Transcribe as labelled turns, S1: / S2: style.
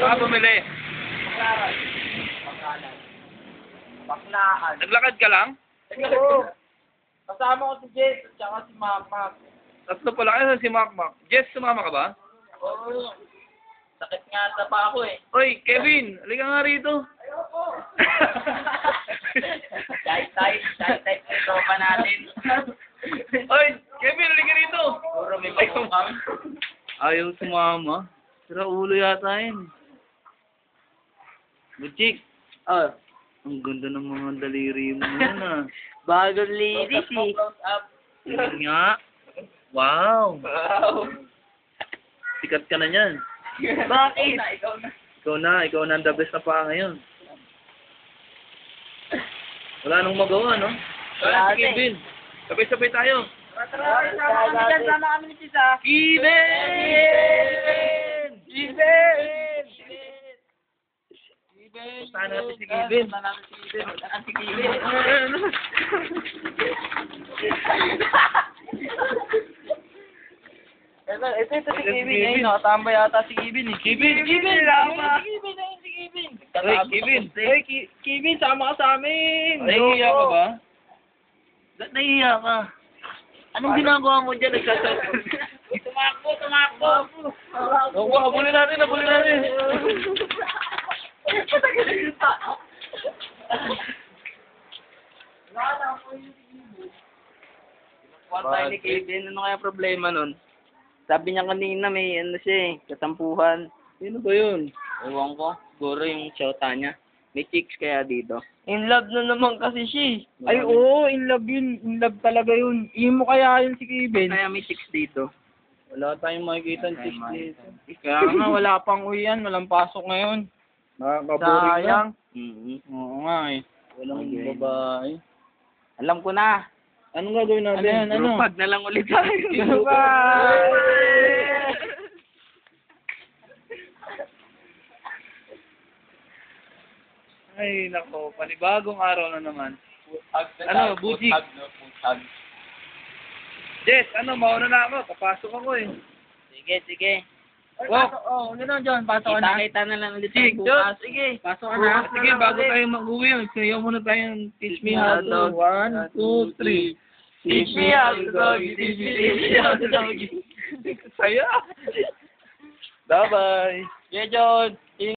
S1: Baka bumili.
S2: Baklaan.
S1: Naglakad ka lang?
S2: Oo. Kasama ko si Jess at saka si Mama.
S1: Tatlo pala kayo si Makmak. Jess, sumama ka ba?
S2: Oo. Sakit nga sa pa ako eh.
S1: Oy, Kevin, halika nga rito.
S2: Ayoko. Type ito pa natin.
S1: Oy, Kevin, halika rito.
S2: Puro may pagkukam.
S1: Ayaw sumama. Sira ulo yata yun. Butchik.
S2: Oh.
S1: Ang ganda ng mga daliri mo yun ah.
S2: Bagong ladies eh. Close up.
S1: Yun nga. Wow.
S2: Wow.
S1: Sikat ka na yan.
S2: Bakit?
S1: Ikaw na ang the best na pa ngayon. Wala nang magawa, no?
S2: Wala
S1: Si Kevin. Sabay-sabay tayo.
S2: Sama kami ni Tisa.
S1: Kevin!
S2: Steven!
S1: Puntahan natin si Kevin.
S2: Si Kevin. Ito si Kevin. Ayun, nakatambay yata si Kevin eh.
S1: Kevin!
S2: Kevin, sama ka sa amin!
S1: Nahihiya ka ba? Ba't nahihiya ka? Anong ginagawa mo dyan?
S2: Tumakbo!
S1: Oo, habulin natin.
S2: One time ni Kevin, ano kaya problema nun? Sabi niya kanina may ano siya eh, katampuhan.
S1: Sino ba yun?
S2: Ewan ko, siguro yung shota niya. May chicks kaya dito. In love na naman kasi siya eh.
S3: Ay, oo, in love yun. In love talaga yun. Imo kaya yun si Kevin.
S2: Kaya may chicks dito.
S1: Wala tayong makikita ng chicks dito.
S3: Kaya nga, wala pang uwian. Walang pasok ngayon.
S1: Nakakaboring na.
S3: Sayang.
S2: Mm-hmm.
S3: Oo nga eh.
S1: Walang
S2: Okay.
S1: babae.
S2: Alam ko na.
S1: Anong gagawin
S3: Ano
S1: natin?
S3: yan, ano?
S2: Grupag na lang ulit tayo.
S1: Ay, nako. Panibagong araw na naman. Ano, Bujik? Jess, ano, mauna na ako. Papasok ako eh.
S2: Sige.
S3: Oo, gano'n John. Pasok ka na.
S2: Kita na lang ulit
S1: Sige,
S2: tayo bukas. Sige.
S3: Pasok ka na.
S1: Sige, bago tayo mag-uwi, sayaw muna tayong teach me how to. 1, 2, 3.
S2: Teach me how to doggy, teach me how to doggy.
S1: Saya. Bye-bye.
S2: Yeah, John.